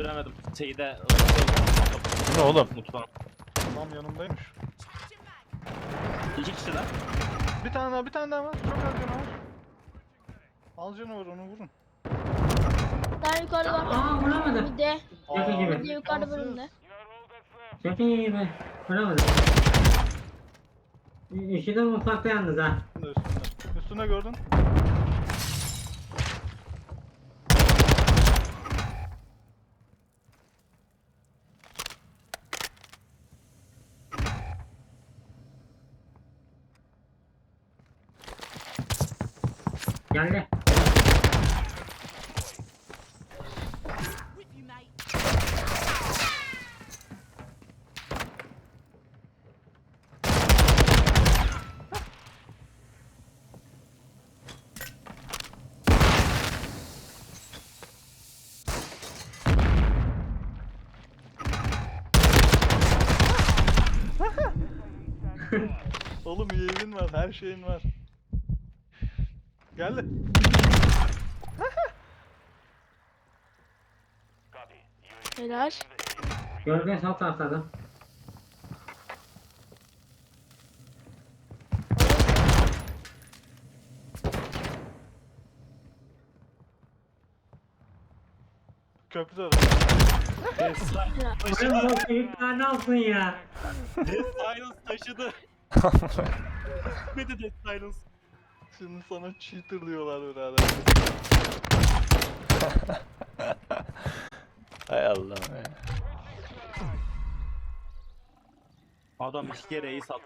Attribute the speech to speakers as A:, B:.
A: göremedim. Şeyde...
B: Ne oğlum?
A: Mutfağın.
C: Tam yanımdaymış.
A: İki kişiler.
C: Bir tane daha var. Çok az canı var. Al canı var, onu vurun.
D: Daha yukarı var.
E: Aa vuramadım.
D: Bir de.
E: Şaka
C: Aa,
E: gibi.
D: Bir de yukarıda
C: imkansız.
D: bölümde.
E: Şaka gibi. Vuramadım. Üşüdüm mutfakta yalnız ha.
C: Üstünde. Üstüne gördün.
E: Geldi.
C: Oğlum UAV'in var, her şeyin var. Geldi.
D: Helal.
E: Gölge sol tarafta adam.
C: Köprüde var.
E: Oğlum bu çocuklar ne yapsın ya?
A: Death Silence taşıdı. Ne de Death Silence?
C: Şimdi sana cheater diyorlar birader.
B: Hay Allah'ım ya.
A: Adam iki kere iyi sattı